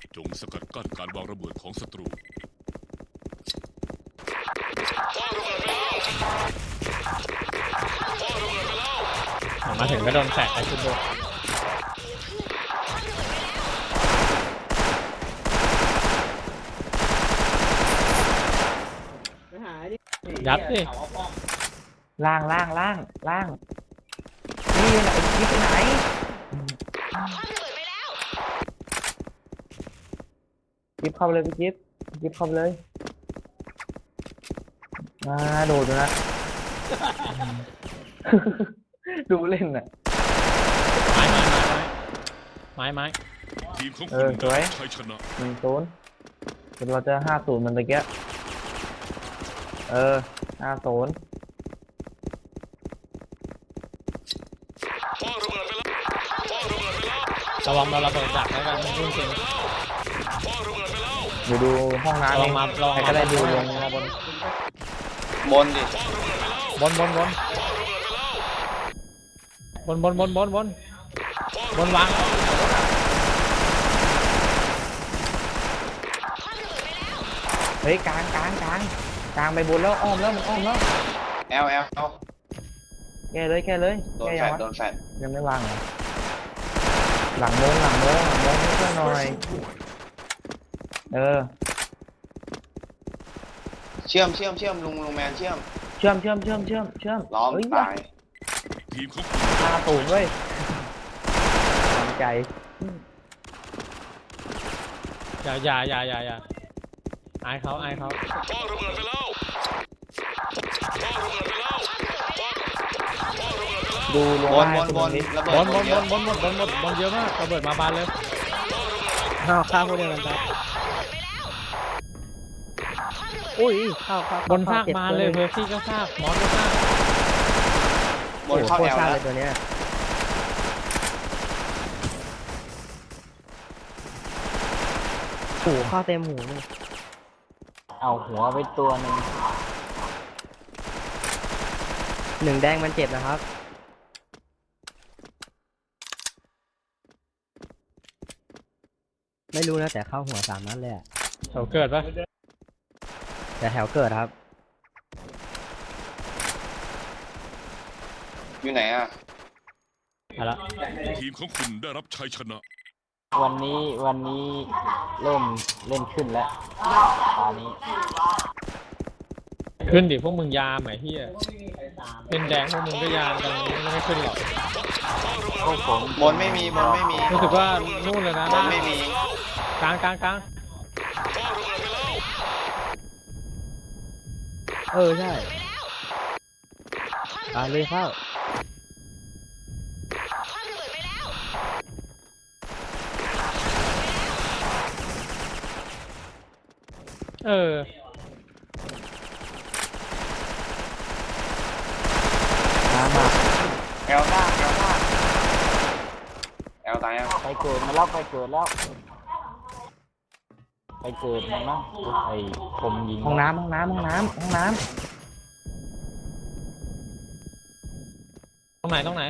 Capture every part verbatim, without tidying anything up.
จงสกัดกั้นการวางระเบิดของศัตรูมาถึงก็โดนแฝกไปขึ้นด้วยยัดดิล่างล่างล่างล่างนี่ไหนนี่ไปไหนจิ๊บเข้าไปเลยพี่จิ๊บจิ๊บเข้าไปเลยมาโดดดูนะ ดูเล่นน่ะไม้ไม้ไม้ไม้ไม้ทีมของเอคุอณสวยชัยชนะหนึ่งศูนย์เดี๋ยวเราจะห้าศูนย์มันตะเกียเออห้าศูนย์ระวังเราระเบิดดักแล้วกันรุ่นจริงเดี๋ยวดูห้องน้ำระวังมาระวังใครมาก็ได้ดูลลงงมาบนบนดิบนบนบนบนบนบนบนบนบนวางแล้วเฮ้ยกลางกลางกลางกลางไปบนแล้วอ้อมแล้วมันอ้อมแล้วแอลแอลเอาแกเลยแกเลยโดนแกแฟยังดวะโดนแฟดยังไม่วางเหรอหลังโมงหลังโมงหลังโมงให้เพื่อนหน่อยเออเชื่อมเชื่อมเชื่อมลุงลุงแมนเชื่อมเชื่อมเชื่อมเชื่อมเชื่อมเชื่อมล้อมเฮ้ยตายทีมของคุณตาตูนเว้ยสนใจอย่าอย่าอย่าอย่าอย่าอายเขาอายเขาดูลงบนได้บนบนนิดระเบิบดนบบ นนเยบอะนบนบนบนบนบนเยอะมากระเบิดมาบานเลยข้าวข้าวพวกเดียวกันครับอุ้ยเข้าเข้าบนซากบานเลยเพอร์ซี่ก็ซากมอสก็ซากบนเข้าโคแอตรลซ่าแล้เลยว ตัวเนี้ยหูเข้าเต็มหูเลยเอาหัวไปตัวหนึ่งหนึ่งแดงมันเจ็บนะครับ ไม่รู้นะแต่เข้าหัวสามนัดเลยอะเขาเกิดปะแต่แถวเกิดครับอยู่ไหนอ่ะเอาละทีมของคุณได้รับชัยชนะวันนี้วันนี้เริ่มเล่นขึ้นแล้วตอนนี้ขึ้นดิพวกมึงยามไหมที่เป็นแดงพวกมึงก็ยามกันไม่ได้ขึ้นหรอกพวกผมบนไม่มีบนไม่มีรู้สึกว่านู่นเลยนะบนไม่มีกลางกลางกลางเออใช่ตายเลยเข้าเออมามาแอลซ่าแอลซ่าแอลตายยังไปเกิดมาแล้วไปเกิดแล้วไปเกิดมันนะไอ้ผมยิงห้องน้ำห้องน้ำห้องน้ำห้องน้ตรงไหนตรงไหน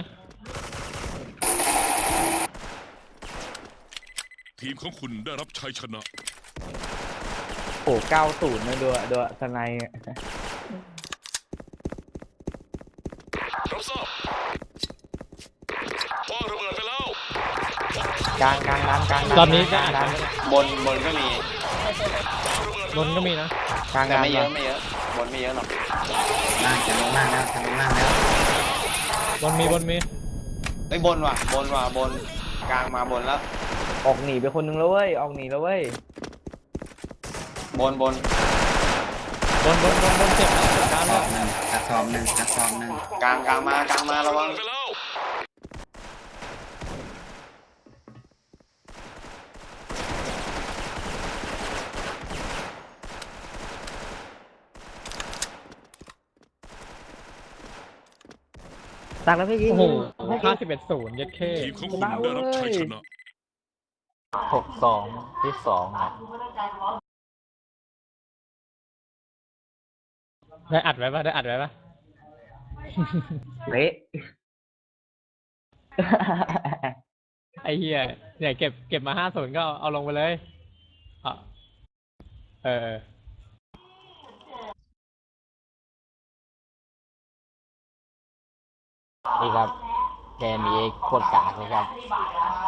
ทีมของคุณได้รับชัยชนะำโอ้เก้าศูนย์เลยดูดูสไนด์รับทราบพ่อระเบิดไปแล้วกลางกลางร้านกลางตอนนี้ก็กลางอาจร้านจะบนบนก็มีบนก็มีนะกลางแต่ร้านไม่เยอะไม่เยอะบนไม่เยอะหรอกล่างจะลงล่างแล้วจะลงล่างแล้วบนมีบนมีไอ้ยบนว่ะบนว่ะบนกลางมาบนแล้วออกหนีไปคนนึงแล้วเว้ยออกหนีแล้วเว้ยบนบนบนบนบนบนเจ็บนะเจ็บกลางเลยกระสอบหนึ่งกระสอบหนึ่งกลางกลางมากลางมาระวังไปแล้วตักแล้วพี่ยิงโอ้โหห้าสิบเอ็ดศูนย์ยัดเข้ทีมของคุณได้รับชัยชนะหกสองที่สองอ่ะได้อัดไว้ปะได้อัดไว้ปะเละไอ้เหี้ยเนี่ยเก็บเก็บมาห้าศูนย์ก็เอาลงไปเลยอ่ะเออเออนี่ครับแกมีโคตรกากเลยครับ